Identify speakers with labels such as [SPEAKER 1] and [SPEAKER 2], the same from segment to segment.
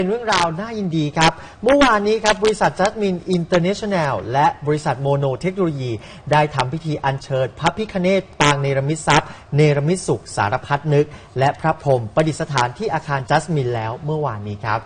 [SPEAKER 1] เป็นเรื่องราวน่ายินดีครับเมื่อวานนี้ครับบริษัทจัสมินอินเตอร์เนชั่นแนลและบริษัทโมโนเทคโนโลยีได้ทำพิธีอัญเชิญพระพิฆเนศปางเนรมิตทรัพย์เนรมิตสุขสารพัดนึกและพระพรหมประดิษฐานที่อาคารจัสมินแล้วเมื่อวานนี้ครับ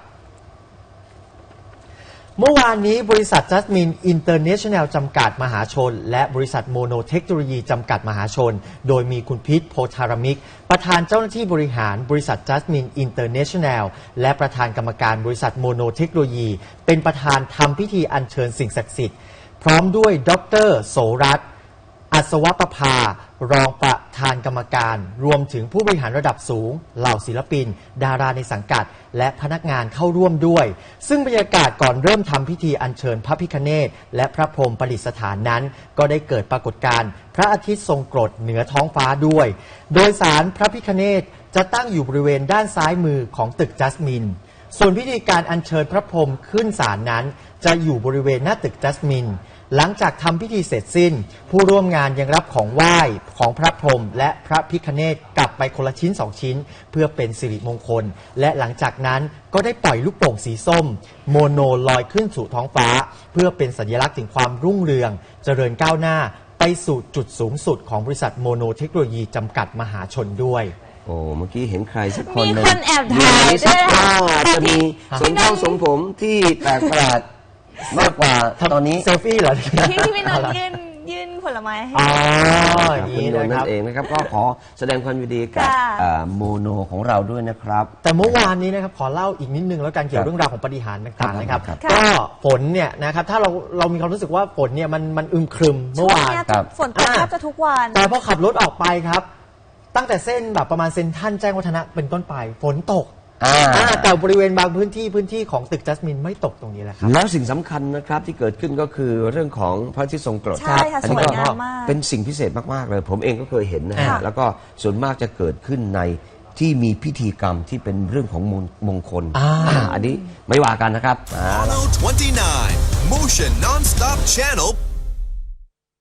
[SPEAKER 1] เมื่อวานนี้บริษัทจัสมินอินเตอร์เนชั่นแนลจำกัดมหาชนและบริษัทโมโนเทคโนโลยีจำกัดมหาชนโดยมีคุณพิษโพธารมิกประธานเจ้าหน้าที่บริหารบริษัทจัสมินอินเตอร์เนชั่นแนลและประธานกรรมการบริษัทโมโนเทคโนโลยีเป็นประธานทำพิธีอัญเชิญสิ่งศักดิ์สิทธิ์พร้อมด้วยดร.โสรัตน์อัศวประภารองประธานกรรมการรวมถึงผู้บริหารระดับสูงเหล่าศิลปินดาราในสังกัดและพนักงานเข้าร่วมด้วยซึ่งบรรยากาศก่อนเริ่มทำพิธีอัญเชิญพระพิฆเนศและพระพรหมประดิษฐานนั้นก็ได้เกิดปรากฏการณ์พระอาทิตย์ทรงกรดเหนือท้องฟ้าด้วยโดยศาลพระพิฆเนศจะตั้งอยู่บริเวณด้านซ้ายมือของตึกจัสมินส่วนพิธีการอัญเชิญพระพรหมขึ้นศาลนั้นจะอยู่บริเวณหน้าตึกจัสมินหลังจากทำพิธีเสร็จสิ้นผู้ร่วมงานยังรับของไหว้ของพระพรหมและพระพิฆเนศกลับไปคนละชิ้น2ชิ้นเพื่อเป็นสิริมงคลและหลังจากนั้นก็ได้ปล่อยลูกโป่งสีส้มโมโนลอยขึ้นสู่ท้องฟ้าเพื่อเป็นสัญลักษณ์ถึงความรุ่งเรืองเจริญก้าวหน้าไปสู่จุดสูงสุดของบริษัทโมโนเทคโนโลยีจำกัดมหาชนด้วย
[SPEAKER 2] โอ้เมื่อกี้เห็นใครสักคน
[SPEAKER 3] มีคนแอบถ่ายด้วย
[SPEAKER 2] จะมีสมเข้าสมผมที่แปลกประหลาดมากกว่าตอนนี้
[SPEAKER 1] เซลฟี่เหรอ
[SPEAKER 3] ที่พี่นนท์ยื่นผลไม้ให้
[SPEAKER 1] อย่างนี้
[SPEAKER 2] นั่นเองนะครับก็ขอแสดงความยินดีกับโมโนของเราด้วยนะครับ
[SPEAKER 1] แต่เมื่อวานนี้นะครับขอเล่าอีกนิดนึงแล้วกันเกี่ยวเรื่องราวของปฏิหารย์ต่างๆนะครับก็ฝนเนี่ยนะครับถ้าเรามีความรู้สึกว่าฝนเนี่ยมันอึมครึมเมื่อวาน
[SPEAKER 3] ฝนตกแทบจะทุกวัน
[SPEAKER 1] แต่พอขับรถออกไปครับตั้งแต่เส้นแบบประมาณเซ็นทรัลแจ้งวัฒนะเป็นต้นไปฝนตกแต่บริเวณบางพื้นที่ของตึกจัสมินไม่ตกตรงนี้แหละครับ
[SPEAKER 2] แล้วสิ่งสำคัญนะครับที่เกิดขึ้นก็คือเรื่องของพระอาทิตย์ทรงกรด
[SPEAKER 3] ใช่ค่ะสวยงามมาก
[SPEAKER 2] เป็นสิ่งพิเศษมากๆเลยผมเองก็เคยเห็นนะฮะแล้วก็ส่วนมากจะเกิดขึ้นในที่มีพิธีกรรมที่เป็นเรื่องของมงคลอันนี้ไม่ว่ากันนะครับ
[SPEAKER 4] Follow 29 Motion Non-Stop Channel